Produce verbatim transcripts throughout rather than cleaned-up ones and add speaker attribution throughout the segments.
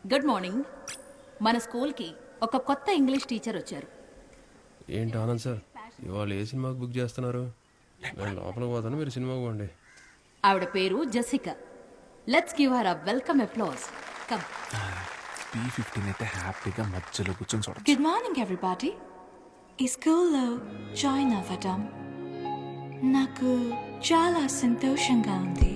Speaker 1: Good morning. మన స్కూల్కి ఒక కొత్త ఇంగ్లీష్ టీచర్ వచ్చారు.
Speaker 2: ఏంటి ఆనంద్ సార్ ఇవాళ ఏ సినిమాకి బుక్ చేస్తున్నారు? నేను లోపలికి పోతాను, మీరు సినిమాకి పోండి.
Speaker 1: ఆవిడ పేరు Jessica. Let's give her a welcome applause. Come.
Speaker 3: B fifteen అయితే హ్యాపీగా మధ్యలో కూర్చొని చూడ.
Speaker 4: Good morning everybody. ఈ స్కూల్లో జాయిన్ అవ్వడం నాకు చాలా సంతోషంగా ఉంది.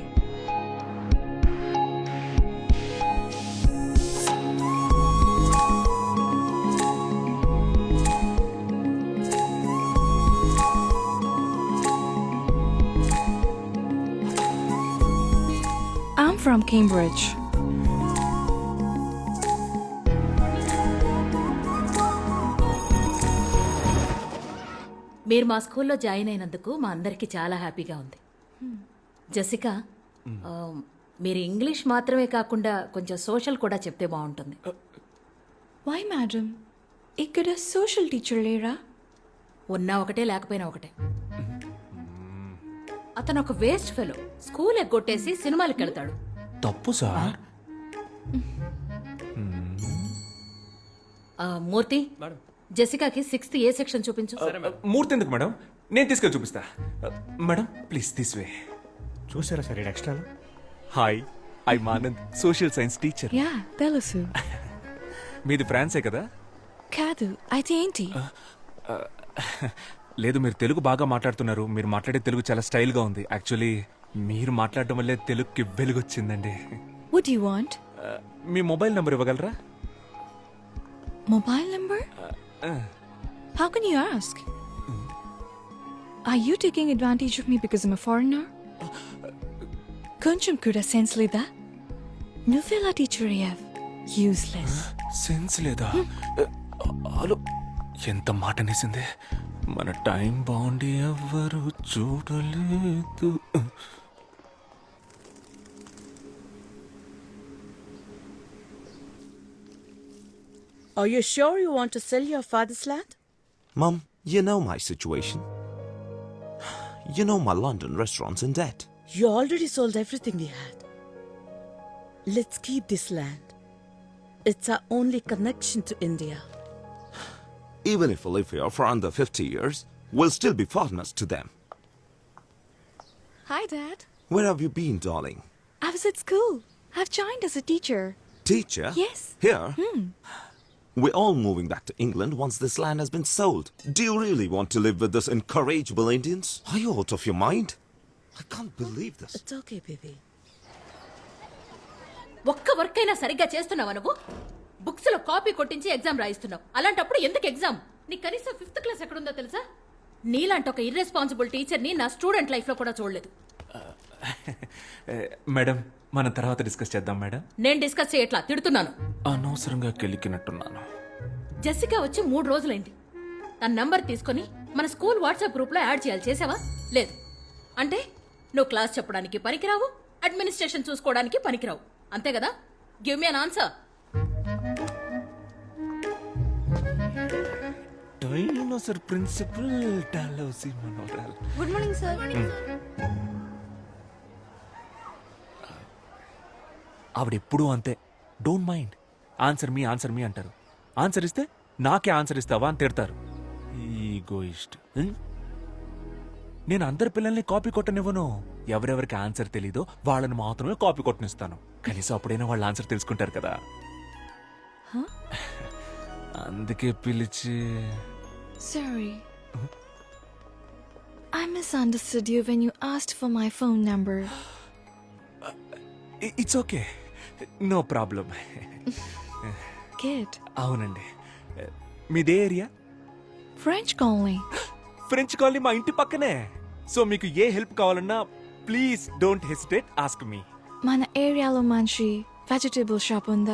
Speaker 4: I'm from Cambridge.
Speaker 1: మీరు మా స్కూల్లో జాయిన్ అయినందుకు మా అందరికీ చాలా హ్యాపీగా ఉంది. జెసికా, ఆ, మీరు ఇంగ్లీష్ మాత్రమే కాకుండా కొంచెం సోషల్ కూడా చెప్తే బాగుంటుంది.
Speaker 4: Why, madam? ఇక్కడ సోషల్ టీచర్ లేరా?
Speaker 1: ఉన్నా ఒకటే లేకపోయినా ఒకటే. అతను ఒక వేస్ట్ ఫెలో. స్కూల్ ఎగ్గొట్టేసి సినిమాలకు వెళ్తాడు.
Speaker 3: తప్పు సార్.
Speaker 1: ఆ, మూర్తి, జెసికాకి సిక్స్త్ ఏ సెక్షన్ చూపించు.
Speaker 3: మూర్తి ఎందుకు మేడం? నేను తీసుకెళ్ళి చూపిస్తా. Madam please this way.
Speaker 5: చూసారా sir extra?
Speaker 3: Hi, I Anand, social science teacher.
Speaker 4: Yeah తెలుసు.
Speaker 3: మీది ఫ్రాన్సే కదా?
Speaker 4: కాదు, అయితే ఏంటి?
Speaker 3: లేదు, మీరు తెలుగు బాగా మాట్లాడుతున్నారు. మీరు మాట్లాడే తెలుగు చాలా స్టైల్గా ఉంది. యాక్చువల్లీ మీరు మాట్లాడడం వల్లే తెలుగుకి వెలుగొచ్చిందండి.
Speaker 4: What do you want?
Speaker 3: మీ మొబైల్ నెంబర్ ఇవ్వగలరా?
Speaker 4: Mobile number? How can you ask? Are you taking advantage of me because I'm a foreigner? కొంచెం కూడా సెన్స్ లేదా? నువ్వెలా టీచర్ అయ్యావ్? యూస్లెస్.
Speaker 3: సెన్స్ లేదా? హలో, ఎంత మాట అనేసింది. మన టైం బాగుండి ఎవ్వరు చూడలేదు.
Speaker 6: Are you sure you want to sell your father's land?
Speaker 7: Mum, you know my situation. You know my London restaurant's in debt.
Speaker 6: You already sold everything we had. Let's keep this land. It's our only connection to India.
Speaker 7: Even if we live here for under fifty years, we'll still be foreigners to them.
Speaker 4: Hi, Dad.
Speaker 7: Where have you been, darling?
Speaker 4: I was at school. I've joined as a teacher.
Speaker 7: Teacher?
Speaker 4: Yes.
Speaker 7: Here? Hmm. We're all moving back to England once this land has been sold. Do you really want to live with these incorrigible Indians? Are you out of your mind? I can't believe this.
Speaker 6: It's okay, baby.
Speaker 1: ఒక్క work అయినా సరిగ్గా చేస్తున్నావా నువ్వు? Books లో copy కొట్టించి exam రాయిస్తున్నావు. అలాంటప్పుడు ఎందుకు exam? నీ కనీసం ఫిఫ్త్ క్లాస్ ఎక్కడుందో తెలుసా? నీలాంటి ఒక ఇర్రెస్పాన్సిబుల్ టీచర్ ని నా స్టూడెంట్ లైఫ్ లో కూడా చూడలేదు.
Speaker 3: మేడం, మనం తర్వాత డిస్కస్ చేద్దాం మేడం.
Speaker 1: నేను డిస్కస్ చేయట్లా, తిడుతున్నాను.
Speaker 3: అనవసరంగా కెలికినట్టున్నాను.
Speaker 1: జెసికా వచ్చి మూడు రోజులైంది. తన నంబర్ తీసుకుని మన స్కూల్ వాట్సాప్ గ్రూప్ లో యాడ్ చేయాలి. చేసావా? లేదు. అంటే నువ్వు క్లాస్ చెప్పడానికి పనికిరావు, అడ్మినిస్ట్రేషన్ చూసుకోవడానికి పనికిరావు, అంతే కదా? Give me an answer.
Speaker 3: Dinosaur principal డాలౌసి మనోరల్.
Speaker 4: Good morning sir.
Speaker 3: ఆవిడ ఎప్పుడూ అంతే. Don't mind. Answer me answer me అంటారు. ఆన్సర్ ఇస్తే నాకే ఆన్సర్ ఇస్తావా అని తిడతారు. ఈగోయిస్ట్. నేను అందరి పిల్లల్ని కాపీ కొట్టనివ్వను. ఎవరెవరికి ఆన్సర్ తెలీదో వాళ్ళని మాత్రమే కాపీ కొట్టనిస్తాను. కనీసం అప్పుడైనా వాళ్ళ ఆన్సర్ తెలుసుకుంటారు కదా. అందుకే పిలిచి.
Speaker 4: Sorry. I misunderstood you when you asked for my phone number.
Speaker 3: It's okay, no problem.
Speaker 4: Good.
Speaker 3: అవునండి. మీదే area?
Speaker 4: French colony.
Speaker 3: French colony మా ఇంటి పక్కనే. సో మీకు ఏ హెల్ప్ కావాలన్నా please don't hesitate, ask me.
Speaker 4: మన ఏరియాలో మంచి వెజిటబుల్ షాప్ ఉందా?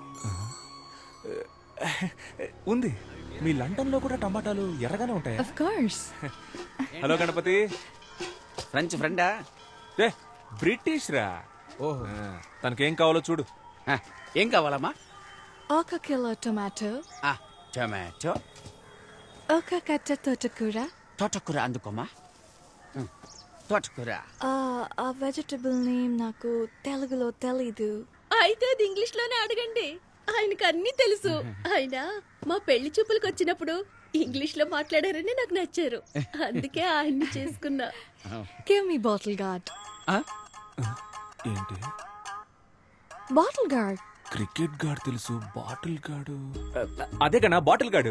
Speaker 3: ఉంది. మీ లండన్ లో కూడా టమాటాలు ఎర్రగానే ఉంటాయా?
Speaker 4: Of course.
Speaker 3: Hello Ganapathi.
Speaker 8: French ఫ్రెండా?
Speaker 3: రే బ్రిటిష్ రా. ఓహో, తనకేం కావాలో చూడు.
Speaker 8: ఏం కావాలమ్మా?
Speaker 4: ఒక కిలో టొమాటో,
Speaker 8: టొమాటో,
Speaker 4: ఒక కట్ట తోటకూర.
Speaker 8: తోటకూర అందుకోమా. తోటకూర.
Speaker 4: ఆ వెజిటబుల్ నేమ్ నాకు తెలుగులో తెలీదు.
Speaker 1: అయితే అది ఇంగ్లీష్ లోనే అడగండి.
Speaker 9: ఆయనకు అన్ని తెలుసు. ఆయన మా పెళ్లి చూపులకు వచ్చినప్పుడు ఇంగ్లీష్ లో మాట్లాడారని నాకు నచ్చారు. అందుకే ఆయన్ని చేసుకున్నా.
Speaker 4: Give me bottle guard.
Speaker 8: ఆ?
Speaker 3: ఏంటి
Speaker 4: Bottle guard.
Speaker 3: క్రికెట్ గాడు తెలుసు బాటిల్ గాడు అదే కన్నా బాటిల్ గాడు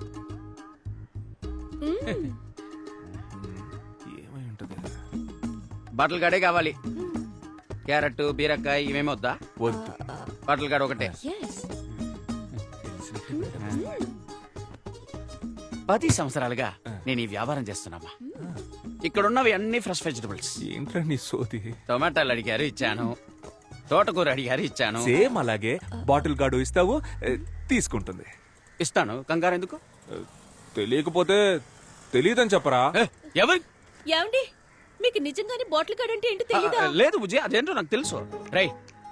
Speaker 3: ఏమై ఉంటది
Speaker 8: బాటిల్ గాడే కావాలి. క్యారెట్ బీరకాయ ఇవేమి వద్దా?
Speaker 3: వద్దు
Speaker 8: బాటిల్ గాడు ఒకటే.
Speaker 4: Yes.
Speaker 8: పది సంవత్సరాలుగా నేను ఈ వ్యాపారం చేస్తున్నామా. ఇక్కడ ఉన్నవి అన్ని ఫ్రెష్ వెజిటబుల్స్.
Speaker 3: ఏంట్రా నీ సోది
Speaker 8: టొమాటోలు అడిగారు ఇచ్చాను, తోటకూర అడిగారు ఇచ్చాను.
Speaker 3: సేమ్ అలాగే బాటిల్ గాడు ఇస్తావు ఏ, తీసుకుంటుంది
Speaker 8: ఇస్తాను, కంగారు ఎందుకు?
Speaker 3: ఏ, తెలియకపోతే తెలియదని చెప్పరా
Speaker 8: ఏ, ఎవరు?
Speaker 9: ఏమండి, మీకు నిజంగానే బాటిల్ కార్డ్ అంటే ఏంటో
Speaker 8: ఆ,
Speaker 9: తెలీదా?
Speaker 8: లేదు బుజ్జి, అదేంటో నాకు తెలుసు. రై,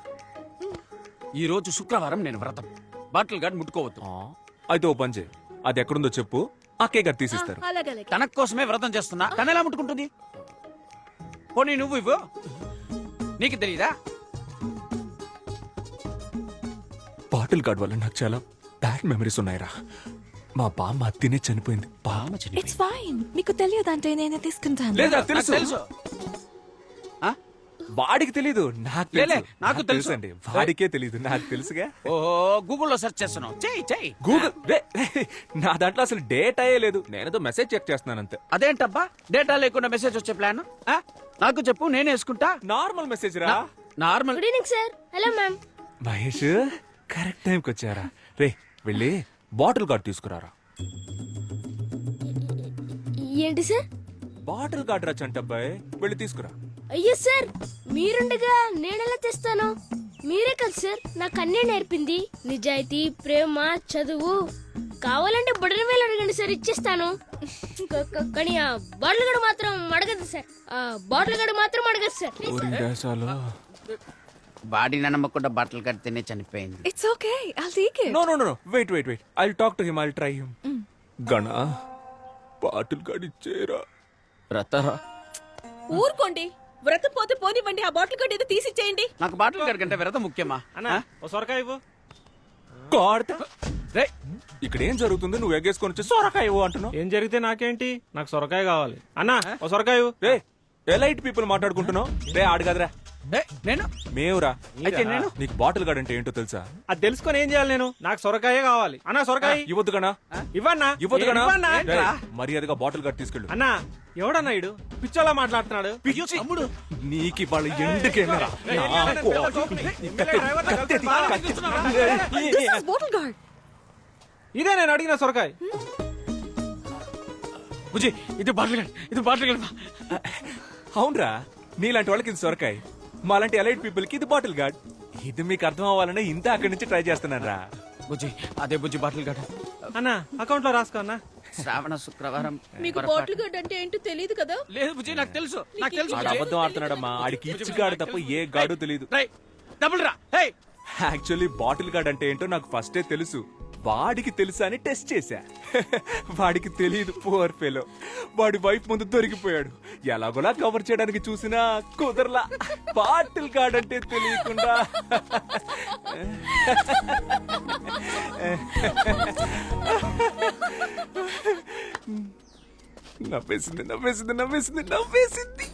Speaker 8: ఈ రోజు శుక్రవారం నేను వ్రతం. బాటిల్ గార్డ్ ముట్టుకోవద్దు.
Speaker 3: ఆ, అయితే ఓ పని చేయి అది ఎక్కడుందో చెప్పు ఆ కేక్ అది తీసిస్తారు
Speaker 9: అలాగలే.
Speaker 8: తన కోసమే వ్రతం చేస్తున్నా, తన ఎలా ముట్టుకుంటుంది? పోనీ నువ్వు ఇవ్వు, నీకు తెలీదా?
Speaker 3: బాటిల్ గార్డ్ వల్ల నాకు చాలా బ్యాడ్ మెమరీస్ ఉన్నాయిరా. మా బామ్మ అత్తినే చనిపోయింది బామ్మ
Speaker 4: It's fine. మీకు తెలియదంటే నేనే తీసుకుంటాను.
Speaker 3: లేదా
Speaker 8: నాకు
Speaker 3: తెలుసు
Speaker 8: తెలుసు. ఆ?
Speaker 3: వాడికి తెలీదు నాకు
Speaker 8: లేలే,
Speaker 3: తెలుసు.
Speaker 8: నాకు తెలుసు.
Speaker 3: అండి వాడికే తెలీదు నాకు తెలుసుగా
Speaker 8: ఓహో, గూగుల్లో సెర్చ్ చేస్తున్నావు. చెయ్యి చెయ్యి.
Speaker 3: గూగుల్ రే, రే, నా దాంట్లో అసలు డేట్ అయ్యే లేదు నేనేదో మెసేజ్ చెక్ చేస్తున్నాను అంతే
Speaker 8: అదేంటబ్బా, డేటా లేకుండా మెసేజ్ వచ్చే ప్లాన్? నాకు చెప్పు, నేనే వేసుకుంటా.
Speaker 3: నార్మల్ మెసేజ్ రా
Speaker 8: normal.
Speaker 9: Good evening sir. Hello ma'am.
Speaker 3: Mahesh correct టైంకి వచ్చారా రే వెళ్ళి బాటిల్ గార్డ్ తీసుకురారా.
Speaker 9: ఏంటి సార్?
Speaker 3: బాటిల్ గార్డ్ రా చంటబ్బాయ్ వెళ్ళి తీసుకురా.
Speaker 9: అయ్యో సార్, మీరుండగా నేనెలా తెస్తాను? మీరే కదా సార్ నాకు అన్నీ నేర్పింది. నిజాయితీ, ప్రేమ, చదువు. కావాలంటే బుడని వేలు అడగండి సార్, ఇచ్చేస్తాను. క- క- కానీ ఆ బాటిల్ గడు మాత్రం అడగదు సార్. ఆ బాటిల్ గడు మాత్రం అడగదు సార్.
Speaker 3: ఊరి దేశాలు
Speaker 8: బాడీ నమ్మకుండా బట్టలు కడితేనే చనిపోయింది.
Speaker 4: It's okay. I'll take it.
Speaker 3: No no no wait wait wait I talk to him I try him గణా బాటిల్ గార్డ్ ఇచ్చేరా.
Speaker 8: వ్రతరా?
Speaker 9: ఊరుకోండి, వ్రతం పోతే పోనివ్వండి. ఆ బాటిల్ కార్డ్ ఏదో తీసిచ్చేయండి.
Speaker 8: నాకు బాటిల్ గార్డ్ కంటే వ్రతం ముఖ్యమా?
Speaker 5: అన్నా ఓ సొరకాయ ఇవ్వు.
Speaker 3: గాడ్
Speaker 8: రే,
Speaker 3: ఇక్కడ ఏం జరుగుతుంది నువ్వు ఎగ్గేసుకొని వచ్చి సొరకాయ ఇవ్వు అంటున్నావు.
Speaker 5: ఏం జరిగితే నాకేంటి, నాకు సొరకాయ కావాలి. అన్నా ఓ సొరకాయ ఇవ్వు.
Speaker 3: రే ఎలైట్ పీపుల్ మాట్లాడుకుంటున్నావు రే ఆడు కదరా
Speaker 8: రే, నేను
Speaker 3: మేవురా.
Speaker 8: అయితే నేను
Speaker 3: నీకు బాటిల్ గార్డ్ అంటే ఏంటో తెలుసా?
Speaker 5: అది తెలుసుకొని ఏం చేయాలి నేను? నాకు సొరకాయే కావాలి. అన్నా సొరకాయ
Speaker 3: ఇవ్వద్దు గనా
Speaker 5: ఇవ్వన్నా.
Speaker 3: ఇవ్వద్దు గనా
Speaker 5: ఇవ్వన్నా.
Speaker 3: రేయ్, మర్యాదగా బాటిల్ గార్డ్ తీసుకెళ్ళు.
Speaker 5: అన్నా ఎవడన్నా ఇడు పిచ్చోలా మాట్లాడుతున్నాడు.
Speaker 3: తమ్ముడు నీకు వాళ్ళ ఎందుకేమరా
Speaker 4: This is bottle guard.
Speaker 5: ఇదే నేను అడిగిన సొరకాయ.
Speaker 8: బుజ్జి, ఇది బాటిల్ గార్డ్, ఇది బాటిల్ గార్డ్.
Speaker 3: అవునరా నీలాంటి వాళ్ళకి ఇది సొరకాయ మాలాంటి ఎలైట్ పీపుల్ కి ఇది బాటిల్ గార్డ్. ఇది మీకు అర్థం అవ్వాలనే ఇంత అక్కడి నుంచి ట్రై చేస్తున్నాను రా.
Speaker 8: బుజ్జి, అదే బుజ్జి బాటిల్ గార్డ్.
Speaker 5: అన్నా అకౌంట్ లో రాసుకో అన్నా.
Speaker 8: శ్రావణ శుక్రవారం.
Speaker 9: మీకు
Speaker 8: పొరపాటు.
Speaker 9: బాటిల్ కార్డ్ అంటే ఏంటో తెలియదు కదా?
Speaker 8: లేదు బుజ్జి, నాకు తెలుసు, నాకు తెలుసు.
Speaker 3: ఆడు అబద్ధం ఆడుతున్నాడమ్మా ఆడికి ఇచ్చి గాడు తప్ప ఏ గాడు తెలియదు.
Speaker 8: రై, డబుల్ రా. హే,
Speaker 3: యాక్చువల్లీ బాటిల్ గార్డ్ అంటే ఏంటో నాకు ఫస్టే తెలుసు. వాడికి తెలుసా అని టెస్ట్ చేశా. వాడికి తెలియదు పువర్ ఫెలో. వాడి వైఫ్ ముందు దొరికిపోయాడు. ఎలాగోలా కవర్ చేయడానికి చూసినా కుదరలా. బాటిల్ గార్డ్ అంటే తెలియకుండా నవ్వేసింది నవ్వేసింది నవ్వేసింది నవ్వేసింది